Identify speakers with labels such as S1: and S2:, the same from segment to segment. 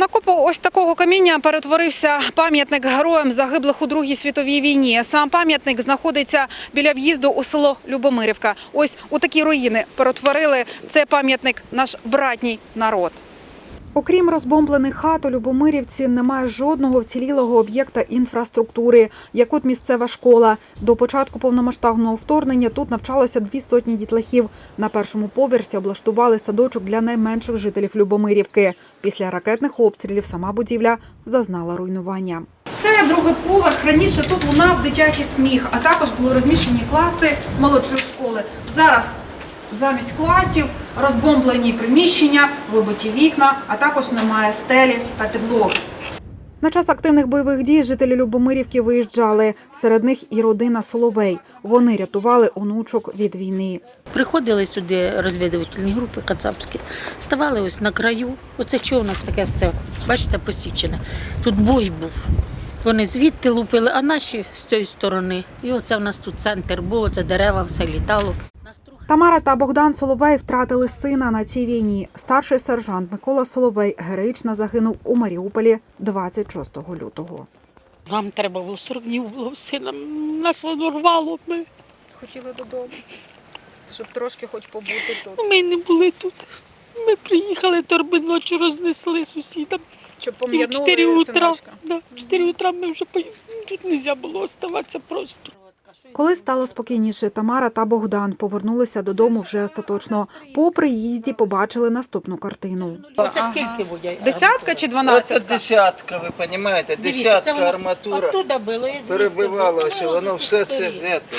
S1: На купу ось такого каміння перетворився пам'ятник героям, загиблих у Другій світовій війні. Сам пам'ятник знаходиться біля в'їзду у село Любомирівка. Ось у такі руїни перетворили цей пам'ятник наш братній народ. Окрім розбомблених хат, у Любомирівці немає жодного вцілілого об'єкта інфраструктури, як от місцева школа. До початку повномасштабного вторгнення тут навчалося 200 дітлахів. На першому поверсі облаштували садочок для найменших жителів Любомирівки. Після ракетних обстрілів сама будівля зазнала руйнування. Це другий поверх. Раніше тут лунав дитячий сміх, а також були розміщені класи молодшої школи. Зараз замість класів розбомблені приміщення, вибиті вікна, а також немає стелі та підлоги. На час активних бойових дій жителі Любомирівки виїжджали. Серед них і родина Соловей. Вони рятували онучок від війни.
S2: Приходили сюди розвідувальні групи кацапські, ставали ось на краю. Оце що у нас таке все, бачите, посічене. Тут бой був. Вони звідти лупили, а наші з цієї сторони. І оце в нас тут центр був, оце дерева, все літало.
S1: Тамара та Богдан Соловей втратили сина на цій війні. Старший сержант Микола Соловей героїчно загинув у Маріуполі 26 лютого.
S3: Нам треба було 40 днів було сина. Нас воно рвало. Ми
S1: Хотіли додому, щоб трошки хоч побути тут.
S3: Ми не були тут. Ми приїхали, торби ночі рознесли сусідам.
S1: Щоб
S3: І в 4 утра, в 4 утра ми вже тут не можна було оставатися просто.
S1: Коли стало спокійніше, Тамара та Богдан повернулися додому вже остаточно. По приїзді побачили наступну картину.
S2: Оце скільки буде?
S1: Десятка чи
S4: Це
S1: 12?
S4: десятка, ви розумієте, десятка арматура
S2: Оттуда було, і
S4: перебивалося, воно все це.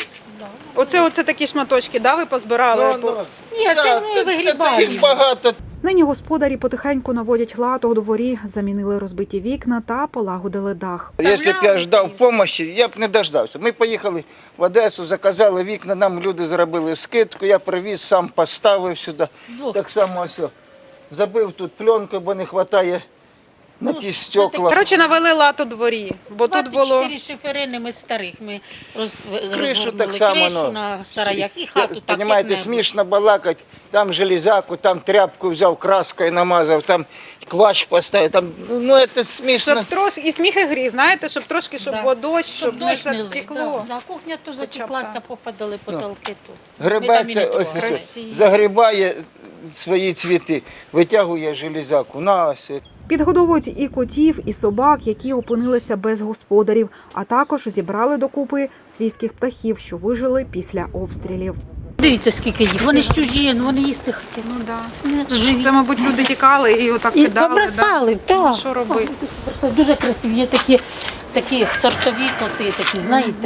S1: Оце такі шматочки, да, ви позбирали?
S2: Ні, це ми вигрібаємо.
S4: Їх багато.
S1: Нині господарі потихеньку наводять лад у дворі, замінили розбиті вікна та полагодили дах.
S4: Якщо б я ждав допомоги, я б не дождався. Ми поїхали в Одесу, заказали вікна, нам люди зробили скидку, я привіз, сам поставив сюди. Так само ось. Забив тут пленкою, бо не вистачає на ті стекла.
S1: Коротше, навели лад у дворі, бо тут було...
S2: 24 шиферини ми старих, ми
S4: Кришу
S2: розгорнули
S4: так само,
S2: кришу на сараях і хату так,
S4: Понимаєте,
S2: як не було.
S4: смішно балакати, там железяку, там тряпку взяв, краскою намазав, там квач поставив, там, ну це смішно.
S1: Щоб трошки, і сміх і гріх, знаєте, щоб трошки, щоб було дощ, щоб не
S2: дощ не
S1: затекло.
S2: да. Кухня то затеклася, попадали потолки тут.
S4: Грибеться, загрібає свої цвіти, витягує железяку. На ось.
S1: Підгодовують і котів, і собак, які опинилися без господарів, а також зібрали докупи свійських птахів, що вижили після обстрілів.
S2: Дивіться, скільки їх. Вони ж чужі, вони їсти хотіли.
S1: Ну да.
S2: Вони живі.
S1: Це, мабуть, люди тікали і отак
S2: І
S1: кидали.
S2: побросали,
S1: Да?
S2: так.
S1: Що робити?
S2: Просто дуже красиві. Є такі сортові коти, такі, знаєте.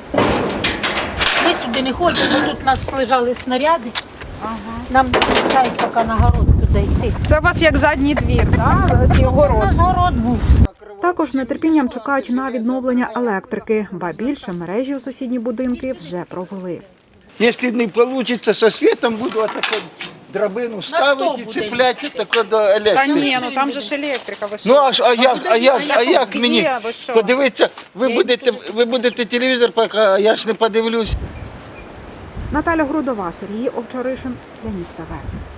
S2: Ми сюди не ходимо, тут у нас лежали снаряди. Нам не вистачає поки на город туди йти.
S1: Це у вас як задній двір, так?
S2: У нас город був.
S1: Також з нетерпінням чекають на відновлення електрики, ба більше мережі у сусідні будинки вже провели.
S4: Якщо не вийде, зі світом буду таку драбину ставити і цепляти тако до
S1: Та
S4: електрики.
S1: ні, ну там же ж електрика, ви що?
S4: Ну а як мені?
S1: Є, ви що?
S4: Подивіться, ви будете телевізор, поки я ж не подивлюсь.
S1: Наталя Грудова, Сергій Овчаришин для Ніс ТВ.